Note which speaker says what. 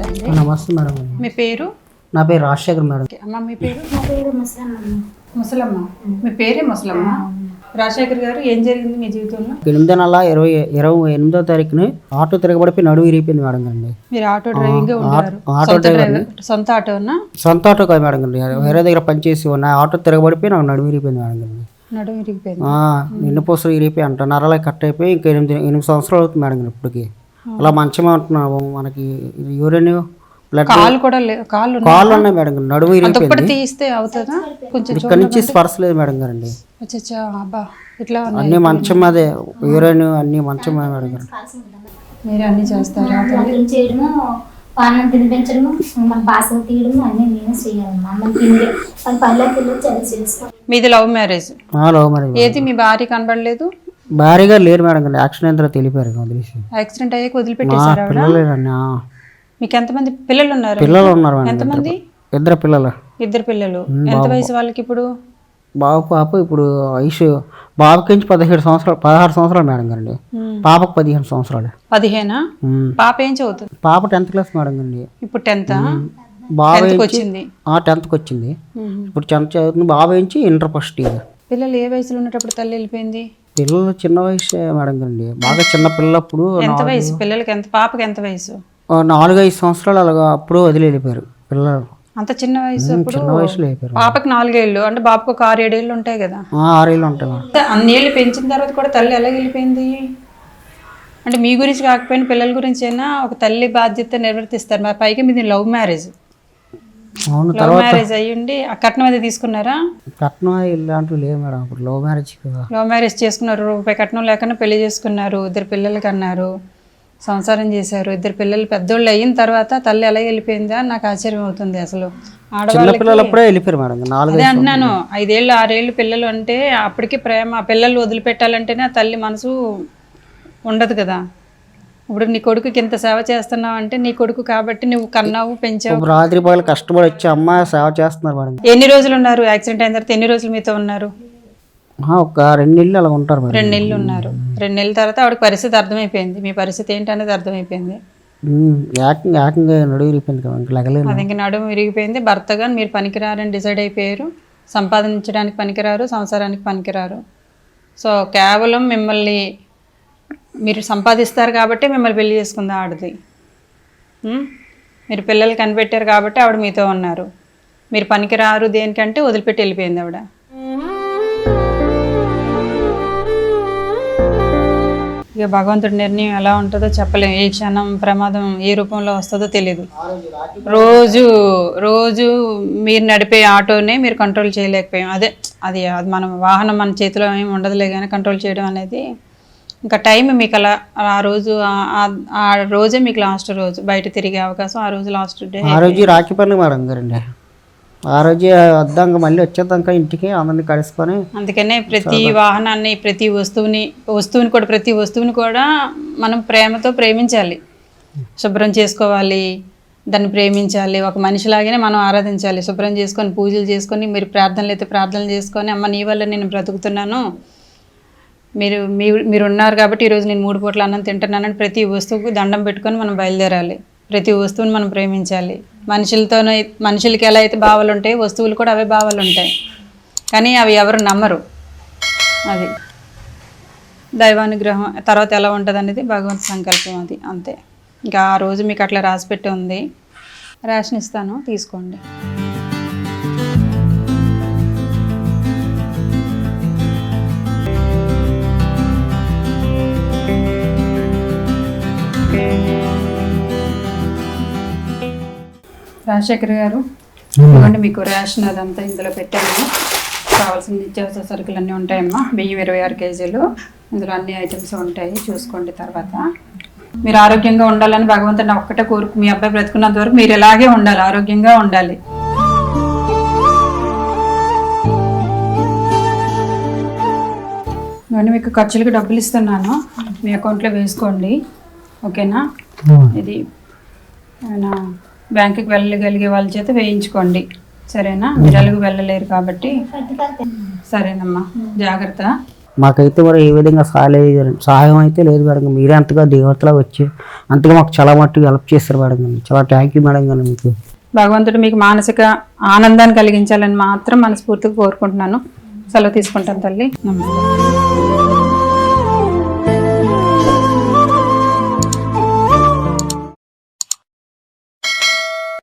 Speaker 1: అండి.
Speaker 2: నమస్తే మేడం.
Speaker 1: మీ పేరు?
Speaker 2: నా పేరు రాజశేఖర్ మేడం.
Speaker 1: అమ్మ మీ పేరు?
Speaker 3: నా పేరు ముసలమ్మ.
Speaker 1: ముసలమ్మ. మీ పేరే ముసలమ్మ. రాజశేఖర్ గారు, ఏం జరిగింది మీ జీవితంలో?
Speaker 2: 8 నెల 28వ తారీఖున ఆటో తిరగబడిపోయి నడువు విరిగిపోయింది మేడం గారండి.
Speaker 1: మీరు ఆటో డ్రైవింగ్ ఉన్నారు?
Speaker 2: Auto driver.
Speaker 1: సొంత ఆటోనా?
Speaker 2: సొంత ఆటో కాదు మేడం గారండి, వేరే దగ్గర పనిచేసి ఉన్నా. ఆటో తిరగబడిపోయి నాకు నడువు విరిగిపోయింది మేడం గారండి.
Speaker 1: నడుము విరిగిపోయింది.
Speaker 2: ఎన్నుపూసలు విరిగిపోయి అంట నరాలు కట్ అయిపోయి ఇంకా 8 సంవత్సరాలు అవుతుంది మేడం గారు ఇప్పటికి. అలా మంచమే ఉంటున్నాము. మనకి యూరిన్ బ్లడ్
Speaker 1: కాళ్ళు కూడా కాళ్ళు
Speaker 2: ఉన్నాయి మేడం గారు. నడువు విరిగిపోయింది.
Speaker 1: తీస్తే అవుతుందా? కొంచెం
Speaker 2: ఇక్కడ నుంచి స్పర్శ లేదు మేడం గారండి.
Speaker 1: అబ్బా, ఇట్లా
Speaker 2: అన్ని మంచం అదే యూరిన్ అన్ని మంచమే మేడం గారు.
Speaker 1: మీరు అన్ని చేస్తారా?
Speaker 3: చేయడము, పానం తినిపించడము, మన బాసలు తీయడము అన్ని నేనే చేయాలమ్మా. అమ్మని తిండి మన పళ్ళకి వెళ్ళి చదివి చేస్తాం.
Speaker 1: మీది లవ్ మ్యారేజ్?
Speaker 2: Love marriage.
Speaker 1: ఏది మీ భార్య కనబడలేదు?
Speaker 2: భారీగా లేరు మేడం గారు, యాక్సిడెంట్ తర్వాత తెలిపారు వదిలేసి.
Speaker 1: యాక్సిడెంట్ అయ్యాక వదిలిపెట్టేశారు?
Speaker 2: పిల్లలేదండి.
Speaker 1: మీకు ఎంతమంది పిల్లలు ఉన్నారు?
Speaker 2: పిల్లలు ఉన్నారు మేడం.
Speaker 1: ఎంతమంది?
Speaker 2: 2 పిల్లలు.
Speaker 1: 2 పిల్లలు. ఎంత వయసు వాళ్ళకి ఇప్పుడు?
Speaker 2: బాబు పాప ఇప్పుడు వయసు బాబుకి 16 సంవత్సరాలు మేడం గారండి. పాపకు 15 సంవత్సరాలు.
Speaker 1: 15? పాప ఏం చదువుతుంది?
Speaker 2: పాప 10th క్లాస్ మేడం గారండి.
Speaker 1: ఇప్పుడు 10th?
Speaker 2: బాబు
Speaker 1: 10th వచ్చింది.
Speaker 2: 10th వచ్చింది. ఇప్పుడు 10th చదువుతుంది. బాబు ఏంచి ఇంటర్ ఫస్ట్ ఇయర్.
Speaker 1: పిల్లలు ఏ వయసులో ఉన్నప్పుడు తల్లి వెళ్ళిపోయింది?
Speaker 2: పిల్లలు చిన్న వయసు మేడం గారండి, బాగా చిన్న పిల్లప్పుడు.
Speaker 1: ఎంత వయసు పిల్లలకి? పాపకి ఎంత వయసు?
Speaker 2: 4-5 సంవత్సరాలు అలాగా అప్పుడు వదిలి వెళ్ళిపోయారు పిల్లలు.
Speaker 1: అంత చిన్న వయసు?
Speaker 2: చిన్న వయసులో అయిపోయారు.
Speaker 1: పాపకి 4 ఏళ్ళు అంటే బాబుకు ఒక 6-7 ఏళ్ళు ఉంటాయి కదా?
Speaker 2: 6 ఏళ్ళు ఉంటాయి.
Speaker 1: అన్నేళ్ళు పెంచిన తర్వాత కూడా తల్లి ఎలా వెళ్ళిపోయింది? అంటే మీ గురించి కాకపోయినా పిల్లల గురించి అయినా ఒక తల్లి బాధ్యత నిర్వర్తిస్తారు. మరి పైగా మీది లవ్ మ్యారేజ్. లవ్ మ్యారేజ్ అయ్యుండి ఆ కట్నం అది తీసుకున్నారా?
Speaker 2: కట్నం ఇలాంటివి లేవు మేడం. ఇప్పుడు లవ్ మ్యారేజ్ కదా.
Speaker 1: లవ్ మ్యారేజ్ చేసుకున్నారు, రూపాయి కట్నం లేకుండా పెళ్లి చేసుకున్నారు, 2 పిల్లలకి అన్నారు, సంసారం చేశారు. 2 పిల్లలు పెద్దోళ్ళు అయిన తర్వాత తల్లి ఎలా వెళ్ళిపోయిందా నాకు ఆశ్చర్యం అవుతుంది. అసలు
Speaker 2: ఆడవాళ్ళప్పుడే వెళ్ళిపోయారు మేడం.
Speaker 1: అదే అంటున్నాను, 5 ఏళ్ళు 6 ఏళ్ళు పిల్లలు అంటే అప్పటికి ప్రేమ. పిల్లలు వదిలిపెట్టాలంటేనే ఆ తల్లి మనసు ఉండదు కదా. ఇప్పుడు నీ కొడుకుకి ఇంత సేవ చేస్తున్నావు అంటే నీ కొడుకు కాబట్టి నువ్వు కన్నావు, పెంచావు.
Speaker 2: రాత్రి పగలు కష్టపడి వచ్చి అమ్మ సేవ చేస్తున్నారు మేడం.
Speaker 1: ఎన్ని రోజులు ఉన్నారు? యాక్సిడెంట్ అయిన తర్వాత ఎన్ని రోజులు మీతో ఉన్నారు?
Speaker 2: ఒక 2 నెలలు అలా ఉంటారు మేడం.
Speaker 1: 2 నెలలు ఉన్నారు. 2 నెలల తర్వాత ఆవిడకి పరిస్థితి అర్థమైపోయింది. మీ పరిస్థితి ఏంటనేది అర్థమైపోయింది.
Speaker 2: ఏకంగా నడువు విరిగిపోయింది కదా.
Speaker 1: అది ఇంక నడుము విరిగిపోయింది. భర్తగా మీరు పనికిరారని డిసైడ్ అయిపోయారు. సంపాదించడానికి పనికిరారు, సంసారానికి పనికిరారు. సో కేవలం మిమ్మల్ని మీరు సంపాదిస్తారు కాబట్టి మిమ్మల్ని పెళ్లి చేసుకుంది ఆడది. మీరు పిల్లలు కనిపెట్టారు కాబట్టి ఆవిడ మీతో ఉన్నారు. మీరు పనికిరారు దేనికంటే వదిలిపెట్టి వెళ్ళిపోయింది ఆవిడ. ఇక భగవంతుడి నిర్ణయం ఎలా ఉంటుందో చెప్పలేము. ఏ క్షణం ప్రమాదం ఏ రూపంలో వస్తుందో తెలియదు. రోజు మీరు నడిపే ఆటోనే మీరు కంట్రోల్ చేయలేకపోయాం. అది మనం వాహనం మన చేతిలో ఏమి ఉండదులే కానీ కంట్రోల్ చేయడం అనేది ఇంకా టైం మీకు అలా ఆ రోజే మీకు లాస్ట్ రోజు బయట తిరిగే అవకాశం. ఆ రోజు లాస్ట్ డే.
Speaker 2: ఆ రోజు రాఖీ పండుగ మేడం గారండి. ఆ రోజు వద్దాక మళ్ళీ వచ్చేదాక ఇంటికి అందరిని కలుసుకొని.
Speaker 1: అందుకనే ప్రతి వాహనాన్ని, ప్రతి వస్తువుని కూడా మనం ప్రేమతో ప్రేమించాలి, శుభ్రం చేసుకోవాలి, దాన్ని ప్రేమించాలి. ఒక మనిషిలాగానే మనం ఆరాధించాలి. శుభ్రం చేసుకొని పూజలు చేసుకొని, మీరు ప్రార్థనలు అయితే ప్రార్థనలు చేసుకొని, అమ్మ నీ వల్ల నేను బ్రతుకుతున్నాను, మీరు ఉన్నారు కాబట్టి ఈరోజు నేను 3 పూట్ల అన్నం తింటున్నానని ప్రతి వస్తువుకు దండం పెట్టుకొని మనం బయలుదేరాలి. ప్రతి వస్తువుని మనం ప్రేమించాలి. మనుషులకి ఎలా అయితే భావాలు ఉంటాయి, వస్తువులు కూడా అవే భావాలు ఉంటాయి. కానీ అవి ఎవరు నమ్మరు. అది దైవానుగ్రహం. తర్వాత ఎలా ఉంటుంది అనేది భగవంతు సంకల్పం. అది అంతే. ఇంకా ఆ రోజు మీకు అట్లా రాసిపెట్టి ఉంది. రేషన్ ఇస్తాను, తీసుకోండి. రాజశేఖర్ గారు, ఇవ్వండి మీకు రేషన్ అదంతా ఇందులో పెట్టాము. కావాల్సిన నిత్యావసర సరుకులు అన్నీ ఉంటాయమ్మా. బియ్యం 26 కేజీలు. ఇందులో అన్ని ఐటమ్స్ ఉంటాయి, చూసుకోండి. తర్వాత మీరు ఆరోగ్యంగా ఉండాలని భగవంతుని ఒక్కటే కోరుకు. మీ అబ్బాయి బ్రతుకున్నంత వరకు మీరు ఇలాగే ఉండాలి, ఆరోగ్యంగా ఉండాలి. ఇవన్నీ మీకు ఖర్చులకు డబ్బులు ఇస్తున్నాను, మీ అకౌంట్లో వేసుకోండి. ఓకేనా? ఇది బ్యాంకుకి వెళ్ళగలిగే వాళ్ళ చేత వేయించుకోండి. సరేనా? మీరు ఎలాగూ వెళ్ళలేరు కాబట్టి. సరేనమ్మా, జాగ్రత్త.
Speaker 2: మాకైతే మరి ఏ విధంగా సహాయం అయితే లేదు మేడం గారు. మీరే అంతగా దేవతలా వచ్చి అంతగా మాకు చాలా మట్టుకు హెల్ప్ చేస్తారు మేడం గారు. చాలా థ్యాంక్ యూ మేడం గారు మీకు.
Speaker 1: భగవంతుడు మీకు మానసిక ఆనందాన్ని కలిగించాలని మాత్రం మనస్ఫూర్తిగా కోరుకుంటున్నాను. సెలవు తీసుకుంటాను తల్లి. నమస్తే.